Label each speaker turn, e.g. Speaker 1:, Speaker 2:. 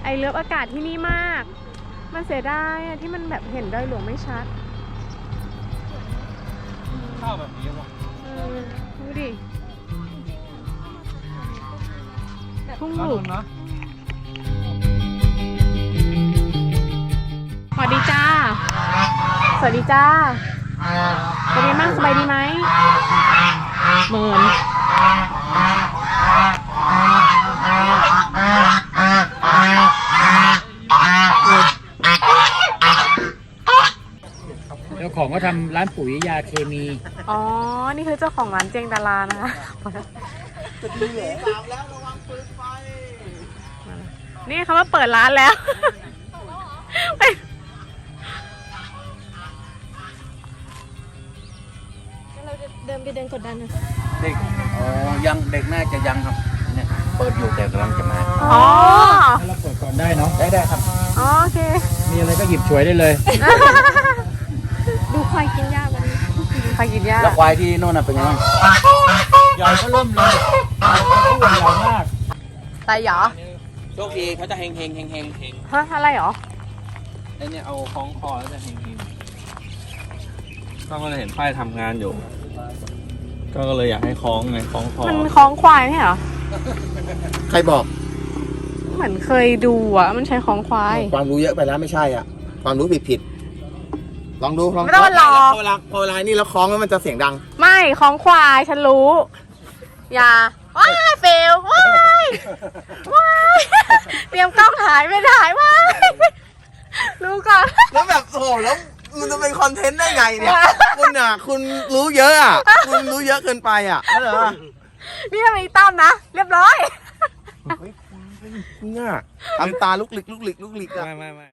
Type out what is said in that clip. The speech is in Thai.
Speaker 1: ไอเลิฟอากาศที่นี่มากมันเสียดายที่มันแบบเห็นดอยหลวงไม่ชัด
Speaker 2: ข้าวแบบนี้วะ
Speaker 1: ดูดิทุ่ง
Speaker 2: น่า
Speaker 1: หลุ
Speaker 2: ดู
Speaker 1: ด
Speaker 2: นะ
Speaker 1: สวัสดีจ้าสวัสดีจ้าเป็นไงบ้างสบายดีไหมเหมือน
Speaker 2: เจ้าของก็ทำร้านปุ๋ยยาเคมี
Speaker 1: อ๋อนี่คือเจ้าของร้านเจงดารานะคะนี่เขามาเปิดร้านแล้วเราจะเดินไปเดินกดดันนะ
Speaker 3: เด็กยังเด็กน่าจะยังครับเนี่ยเปิดอยู่แต่กำลังจะมา
Speaker 1: อ๋อ
Speaker 2: ถ้าเราเปิดก่อนได้เนาะ
Speaker 3: ได้ครับ
Speaker 1: โอเค
Speaker 2: มีอะไรก็หยิบฉวยได้เลย
Speaker 1: ดูควายกินหญ้าวันนี้ควายกินหญ้า
Speaker 3: แล้วควายที่โน่นน่ะเป็นยังไง
Speaker 2: ใหญ่ก็เริ่มเลยอ้วนใหญ่มาก
Speaker 1: ตายเหรอ
Speaker 3: โชคดีเขาจะเฮง
Speaker 1: ฮะอะไรเหรอ
Speaker 3: ไอ้เนี่ยเอาคล้องคอแล้วจะเฮง
Speaker 4: ก็เลยเห็นป้ายทำงานอยู่ ก็เลยอยากให้คล้องไงคล้องคอ
Speaker 1: มันคล้องควายไม่เหรอ
Speaker 3: ใครบอก
Speaker 1: เหมือนเคยดูอ่ะมันใช้คล้องควาย
Speaker 3: ความรู้เยอะไปแล้วไม่ใช่อ่ะความรู้ผิดลองดูลอง
Speaker 1: ไม่ต้องมารอ
Speaker 3: พอเวลานี่แล้วคล้องแล้วมันจะเสียงดัง
Speaker 1: ไม่คล้องควายฉันรู้ อย่าว้ายเฟลว้ายว้ายเตรียมกล้องถ่ายไม่ถ่ายว้ายรู้ก่อน
Speaker 3: แล้วแบบโอ้โหแล้วมันจะเป็นคอนเทนต์ได้ไงเนี่ยคุณอ่ะคุณรู้เยอะอ่ะคุณรู้เยอะเกินไปอ่ะเข้าใจป่ะ
Speaker 1: นี่เป็นอีตั้มนะ เรียบร้อย
Speaker 3: เนี่ยทำตาลุกหลิกอ่ะ
Speaker 4: ไม่